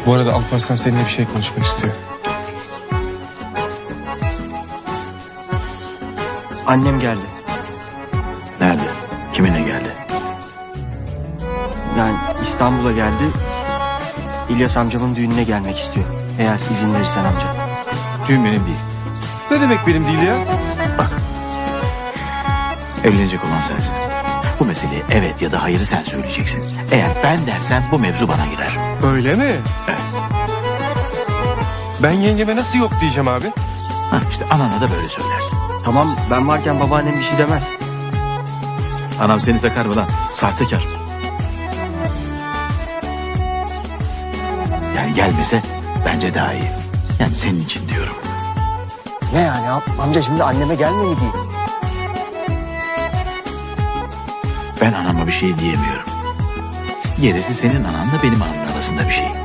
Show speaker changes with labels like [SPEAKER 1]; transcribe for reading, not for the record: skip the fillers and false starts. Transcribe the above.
[SPEAKER 1] Bu arada Alparslan seninle bir şey konuşmak istiyor.
[SPEAKER 2] Annem geldi.
[SPEAKER 3] Nerede? Kiminle geldi?
[SPEAKER 2] Yani İstanbul'a geldi. İlyas amcamın düğününe gelmek istiyor. Eğer izin verirsen amca.
[SPEAKER 3] Düğün benim değil.
[SPEAKER 1] Ne demek benim değil ya?
[SPEAKER 3] Bak. Evlenecek olan sensin. Bu meseleye evet ya da hayırı sen söyleyeceksin. Eğer ben dersem bu mevzu bana girer.
[SPEAKER 1] Öyle mi?
[SPEAKER 3] Evet.
[SPEAKER 1] Ben yengeme nasıl yok diyeceğim abi?
[SPEAKER 3] Ha işte anana da böyle söylersin.
[SPEAKER 2] Tamam, ben varken babaannem bir şey demez.
[SPEAKER 3] Anam seni takar mı lan? Sahtekar. Yani gelmese bence daha iyi. Yani senin için diyorum.
[SPEAKER 2] Ne yani amca, şimdi anneme gelme mi diyeyim?
[SPEAKER 3] Ben anama bir şey diyemiyorum. Gerisi senin ananla benim anamın arasında bir şey.